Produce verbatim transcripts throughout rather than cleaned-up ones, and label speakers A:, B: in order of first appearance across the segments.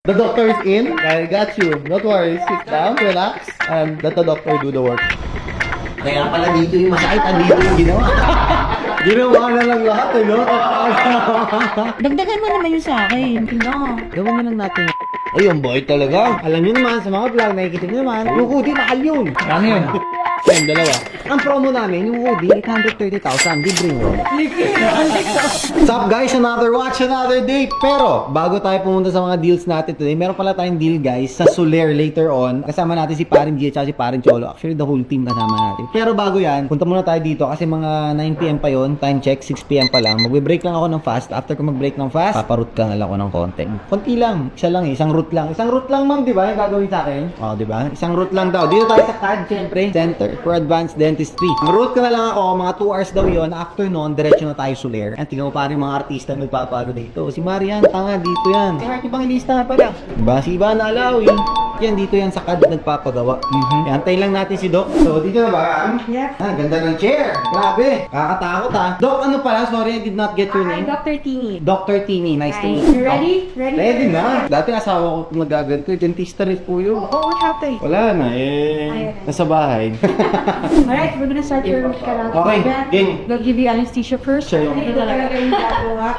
A: The doctor is in. I got you. Don't worry. Sit down, relax, and let the doctor do the work.
B: Kaya pala dito yung masakit, andito yung ginawa.
A: Ginawa na lang lahat eh, no?
C: Dagdagan mo naman yun sa akin. Tingnan mo.
A: Gawin mo lang natin. Ay, ang boy talaga. Alam nyo naman, sa mga vlog, nakikita nyo naman, yung hoodie, mahal yun. Ano yun? Ayun, dalawa. Ang promo namin, yung hoodie, eight hundred thirty thousand, libre mo. What's up guys? Another watch, another day. Pero, bago tayo pumunta sa mga deals natin today, meron pala tayong deal guys sa Soler later on. Kasama natin si Parin G at si Parin Cholo. Actually, the whole team kasama natin. Pero bago yan, punta muna tayo dito kasi mga nine p m pa yon. Time check, six p m pa lang. Magbe-break lang ako ng fast. After ko mag-break ng fast, paparut ka na lang ako ng konti. Konti lang. Isa lang eh. Isang route lang. Isang route lang ma'am, di ba? Yung gagawin sa akin. O, di ba? Isang route lang daw. Dito tayo sa C A D, syempre. Center for Advanced Dentistry. Ang route ko na lang ako, mga two hours daw yon. After nun, diretso na tayo Soler. And tingnan mo pa rin mga artista na nagpapalo dito. Si Marian, tanga, dito yan. Kaya ibang ilista na pala. Diba? Si Ivan Alawi. Yan, dito yan sa C A D nagpapagawa. Mm-hmm. Yan, antayin lang natin si Doc. So, dito na ba?
C: Yeah.
A: Ah, ganda ng chair. Grabe. Kakatakot ah. Doc, ano pala? Sorry, I did not get your
C: Hi,
A: name.
C: Doctor Tini.
A: Doctor Tini. Nice to
C: Hi.
A: meet you.
C: You ready? Ready?
A: Ready na. Dati asawa ko kung nagaganto. Dentista rin po yun.
C: Oh, what happened?
A: Wala na eh. Nasa bahay.
C: Alright, we're gonna start your karate.
A: Okay, game.
C: They'll give you anesthesia first.
A: Sure.
C: Ito talaga yung gagawa.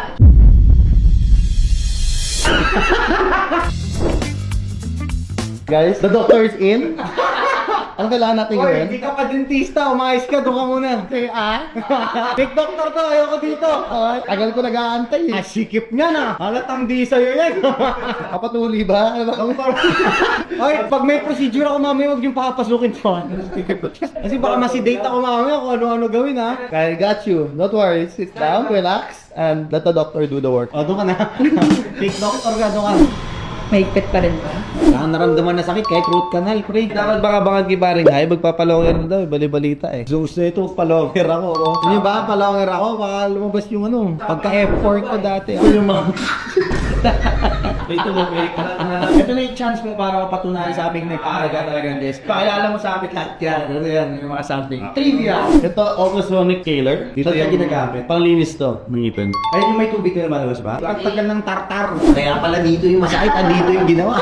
A: Guys, the doctor is in. Ano kailangan natin
B: Hoy,
A: gawin?
B: hindi ka pa dentista, umayos ka, doon ka muna.
A: Okay, ah? Big doctor to, ayoko dito. Oh, tagal ko nag-aantay eh.
B: Ah, sikip niya na. Halatang di sa'yo yan.
A: Kapatuli ba? Ano ba?
B: Hoy, pag may procedure ako mamaya, huwag niyong papasukin to. Kasi baka masidate ako mamaya kung ano-ano gawin ha.
A: I got you. Don't worry. Sit down, relax, and let the doctor do the work.
B: O, doon ka na. Big doctor ka, doon ka.
C: Mahigpit pa rin ba?
B: Wala kang naramdaman na sakit kahit root canal, pre.
A: Dapat baka bangan kay Paring Hay, magpapalonger na daw, bali-balita eh.
B: So, so ito, palonger ako. Oh.
A: Hindi ba, palonger ako, baka lumabas yung ano, pagka-F four ko dati. Ako yung mga...
B: Ito mo, Eric. Ito na yung chance mo para mapatunayan sa aming nagkakaraga talaga ng desk. Pakilala mo sa amin lahat yan. Ano yan, yung mga something. Trivia!
A: Ito, ultrasonic scaler.
B: Dito yan ginagamit.
A: Panglinis to, ng ngipin.
B: Ay, yung may tubig na lumalabas ba? Ang tagal ng tartar. Kaya pala dito yung masakit, andito yung ginawa.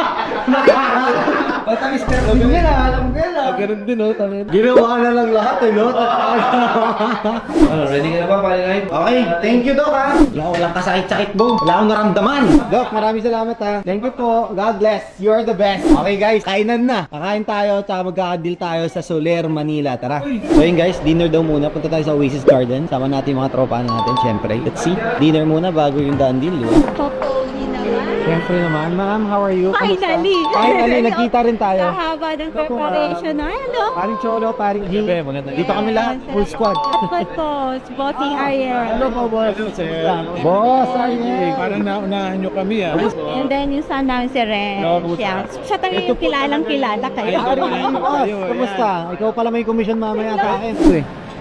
B: Basta mister Alam mo yan ah, alam ko yan ah.
A: Ganun din, no? Tangin.
B: Ginawa na lang lahat eh, no? Ano, ready ka na ba, Paring? Okay, thank you, Doc ha. Wala ko walang kasakit-sakit, Bong. Wala akong naramdaman.
A: Doc, maraming salamat ha. Thank you po. God bless. You're the best. Okay guys, kainan na. Kakain tayo, tsaka magkakadil tayo sa Soler, Manila. Tara. So yun guys, dinner daw muna. Punta tayo sa Oasis Garden. Sama natin yung mga tropa natin, syempre. Let's see. Dinner muna bago yung daan deal, di ba?
C: Totally naman.
A: Syempre naman. Ma'am, how are you?
C: Finally!
A: Finally, nagkita rin tayo.
C: Kahaba ng preparation na. Ano?
A: Paring Cholo, paring G. Dito kami lahat, full squad.
C: Dapat po, Bossing Ariel.
A: Hello po, boss. Boss, Ariel.
D: Parang naunahan nyo kami ah.
C: And then yung son namin si Ren. Siya. Siya talaga yung kilalang kilala kayo.
A: Paring boss, kumusta? Ikaw pala may commission mamaya sa akin. Eh.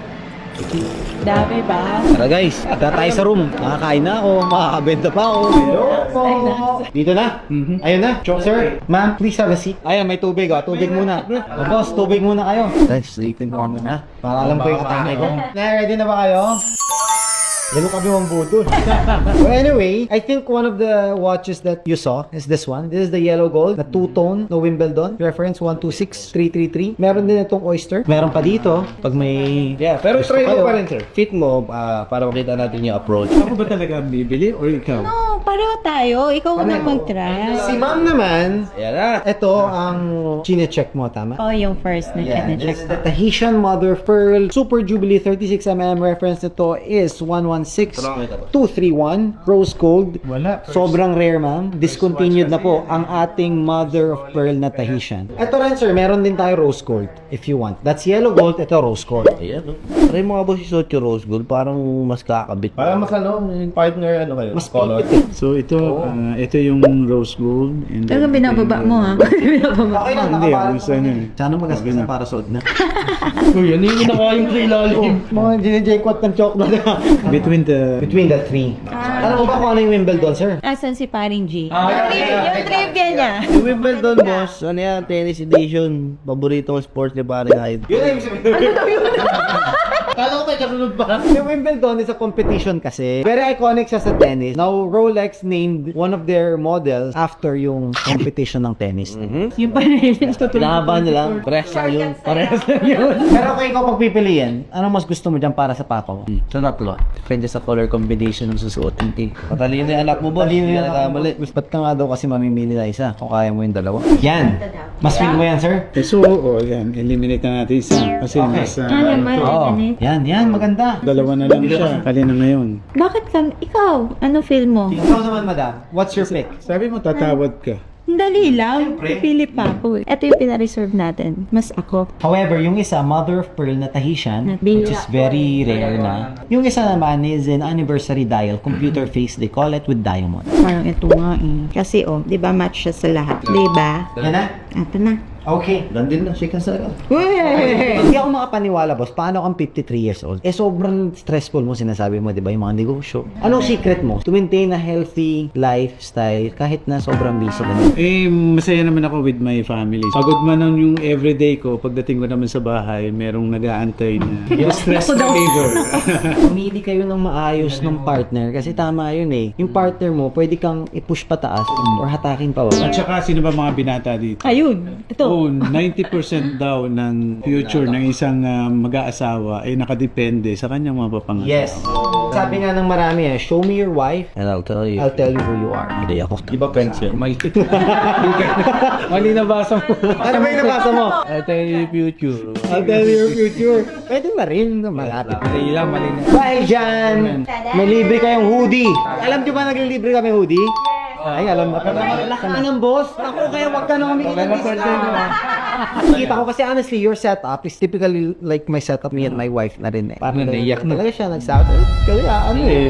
C: Dami ba?
A: Tara guys, tara tayo sa room. Nakakain na ako, makakabenta pa ako. Hello po. Dito na?
D: Mhm.
A: Ayun na. Sir, ma'am, please have a seat. Ayan, may tubig oh. Tubig muna. O boss, tubig muna kayo. Guys, sleeping corner na. Para alam ko yung atake ko. Na, ready na ba kayo? Lalo kami mong budol. Well, anyway, I think one of the watches that you saw is this one. This is the yellow gold, the two-tone, no Wimbledon. Reference one two six three three three. Meron din itong oyster. Meron pa dito, pag may...
D: Yeah, pero
A: gusto
D: try mo
A: kayo.
D: pa rin, sir. Fit mo ah, para makita natin yung approach. Ako ba talaga ang bibili or ikaw?
C: No, pareho tayo. Ikaw unang mag-try.
A: Si ma'am naman,
D: Ayan na.
A: ito ang chine-check mo, tama?
C: Oh, yung first na
A: Yeah,
C: yeah,
A: this is the Tahitian Mother Pearl Super Jubilee thirty-six millimeter. Reference nito is one one six two three one Rose Gold.
D: Wala.
A: Sobrang rare, ma'am. Discontinued na po ang ating Mother of Pearl na Tahitian. Ito rin, sir. Meron din tayo Rose Gold if you want. That's yellow gold. Ito Rose Gold.
D: Ayan, no? Try mo nga ba si Socho Rose Gold? Parang mas kakabit.
E: Parang mas ano, yung partner ano kayo?
A: Mas
E: color.
A: pipit eh.
D: So ito, ah, ito yung rose gold. And then-
C: Talagang binababa mo ha? binababa.
A: Okay lang,
D: Hindi,
A: nakaparang.
D: ang isa na eh.
A: Sana magastos na para suot na.
D: Uy, ano yung kinakain mo sa ilalim?
A: Mga ginijekwat ng chocolate.
D: Between the...
A: Between the three. Alam mo ba kung ano yung Wimbledon, sir?
C: Asan si Paring G? yung, trivia, yung trivia niya.
D: Yung Wimbledon, boss, ano yan, tennis edition. Paborito kong sport ni Paring Hyde.
A: Yun na yung
B: Kala ko may kasunod pa.
A: Yung Wimbledon is a competition kasi. Very iconic siya sa tennis. Now, Rolex named one of their models after yung competition ng tennis.
C: Yung pa rin.
D: Laban nila. Press lang yun. Parehas lang yun.
A: Pero kung ikaw pagpipiliin, ano mas gusto mo dyan para sa papa mo?
D: Sa tatlo. Depende sa color combination ng susuotin. Eh. Patalino yung anak mo ba? Hindi na nakamali.
A: Ba't ka nga daw kasi mamimili na isa kung kaya mo yung dalawa? Yan! Mas feel mo yan, sir?
F: Eh, so, oh, yan. Eliminate na natin isa. Kasi
A: Okay.
F: nasa,
C: Ano naman,
A: Oo.
C: ganit.
A: Yan, yan. Maganda.
F: dalawa na lang siya. Kalina ngayon.
C: Bakit ka, ikaw, ano feel mo?
A: Ikaw naman, madam. What's your pick?
F: Sabi mo, tatawad ka.
C: Dali lang. Pipili pa ako eh. Ito yung pina-reserve natin. Mas ako.
A: However, yung isa, mother of pearl na Tahitian, which is very rare na. Yung isa naman is an anniversary dial, computer face, they call it, with diamond.
C: Parang ito nga eh. Kasi oh, di ba match siya sa lahat? Di ba?
A: Yan na?
C: Ito na.
A: Okay.
D: Dandin na, shake hands na.
A: Hindi ako makapaniwala, boss. Paano kang fifty-three years old? Eh, sobrang stressful mo, sinasabi mo, di ba? Yung mga negosyo. Anong secret mo? To maintain a healthy lifestyle kahit na sobrang busy na.
F: Eh, masaya naman ako with my family. Pagod man ang yung everyday ko, pagdating ko naman sa bahay, merong nag-aantay na yung stress reliever.
A: Pumili kayo ng maayos ng partner kasi tama yun eh. Yung partner mo, pwede kang i-push pataas or hatakin pa
F: At
A: baba.
F: saka, sino ba mga binata dito?
C: Ayun. Ito.
F: Oh, ninety percent daw ng future ng isang uh, mag-aasawa ay nakadepende sa kanyang mga papangasawa.
A: Yes. Sabi nga ng marami eh, show me your wife,
D: And I'll tell you.
A: I'll tell you who you are.
D: Hindi ako. Di ba friends yun? May...
F: Mali nabasa mo.
A: Ano ba yung nabasa mo?
D: I'll tell you yung future.
A: I'll tell you your future. Pwede na rin. Malapit.
F: Mali lang, mali na.
A: Dahil dyan, may libre kayong hoodie. Alam nyo ba naglilibre kami hoodie? Ay, alam na pala. Wala ka ng boss. Ako, kaya wag ka na humingin ng discount. Kita ko kasi honestly, your setup is typically like my setup, me and my wife na rin eh. Parang
D: naiyak na.
A: Talaga siya nag-sound. Kaya ano eh.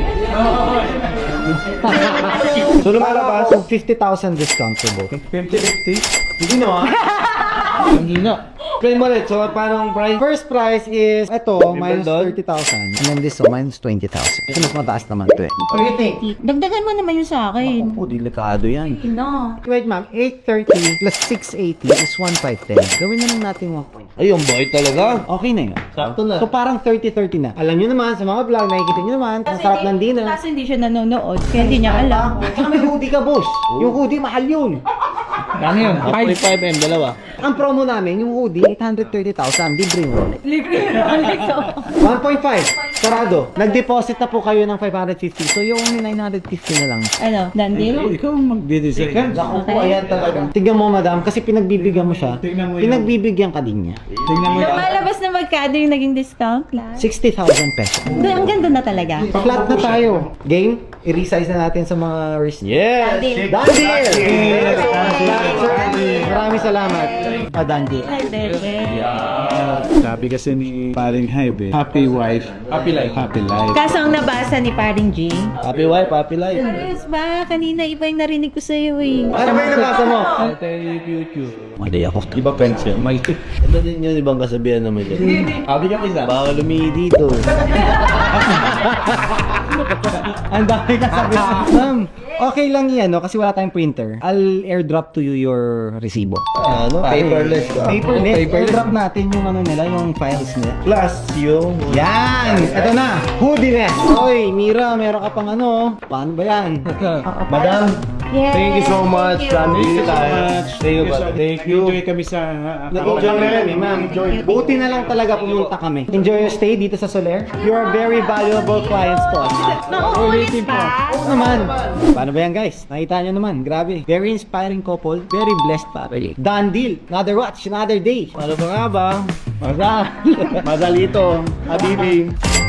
A: So lumalabas yung fifty thousand discount for both.
F: fifty fifty?
A: Hindi na
D: Hindi na.
A: Explain mo ulit. So, parang price? First price is, ito, minus thirty thousand. And then this, so, minus twenty thousand. Ito, mas mataas naman ito eh. What do you think?
C: Dagdagan mo naman yun sa akin.
D: Oh, delikado yan.
C: No.
A: Wait, ma'am. eight thirty plus six eighty is one five ten. Gawin na lang natin one point.
D: Ay, yung boy talaga.
A: Okay na yun.
D: Sakto na.
A: So, parang thirty thirty na. Alam nyo naman, sa mga vlog, nakikita nyo naman, ang sarap ng dinner.
C: Kasi hindi siya nanonood. Kaya hindi niya alam.
A: Saka may hoodie ka, boss. Yung hoodie, mahal yun.
D: Ano yun? forty-five M, dalawa.
A: Ang promo namin, yung hoodie, eight hundred thirty thousand. Libre mo.
C: Libre.
A: one point five. Sarado. Nag-deposit na po kayo ng five hundred fifty. So, yung only nine hundred fifty na lang.
C: Ano, Dandil?
F: Ikaw, ikaw ang magde-design.
A: Naku po, ayan talaga. Tignan mo, madam, kasi pinagbibigyan mo siya.
F: Tignan mo yun.
A: Pinagbibigyan ka din niya.
F: Tingnan mo yan.
C: Lumalabas na magkano yung naging discount lang.
A: sixty thousand pesos.
C: Doon, ang ganda na talaga.
A: Flat na tayo. Game? I-resize na natin sa mga wrist.
D: Yes!
C: Dandil.
A: Done deal! Maraming salamat. Ah, done deal.
C: Ay, bebe.
F: Sabi kasi ni paring Hybe, eh, happy wife, happy life. Happy life.
C: Kaso ang nabasa ni Paring G.
D: Happy wife, happy life.
C: Ayos ba? Kanina iba yung narinig ko sa'yo eh.
A: Ano ba yung nabasa mo?
D: I'll tell you yung future. Hindi ako. Di ba friends yun? May... Ito din yun, ibang kasabihan naman yun. Sabi ka isa. Bawal lumihi dito.
A: Ang dami ka sabi. Ma'am, okay lang yan, no? Kasi wala tayong printer. I'll airdrop to you your resibo.
D: Ano? Paperless ka.
A: Paperless. Airdrop natin yung ano nila, yung files nila.
D: Plus yung...
A: Yan! Ito na! Hoodiness! Oy, Mira, meron ka pang ano. Paano ba yan?
D: Madam,
C: Yes.
D: thank you so much.
C: Thank you.
D: Thank you.
F: much.
D: Thank you. Thank you.
F: Enjoy kami sa...
A: Nag-enjoy na kami, ma'am. Buti na lang talaga pumunta kami. Enjoy your stay dito sa Soler. You are very valuable clients to us.
C: Nauulit pa.
A: Oo naman. Paano ba yan, guys? Nakita nyo naman. Grabe. Very inspiring couple. Very blessed family. Done deal. Another watch. Another day.
D: Ano ba nga ba?
A: Masal.
D: Madalito. Habibi.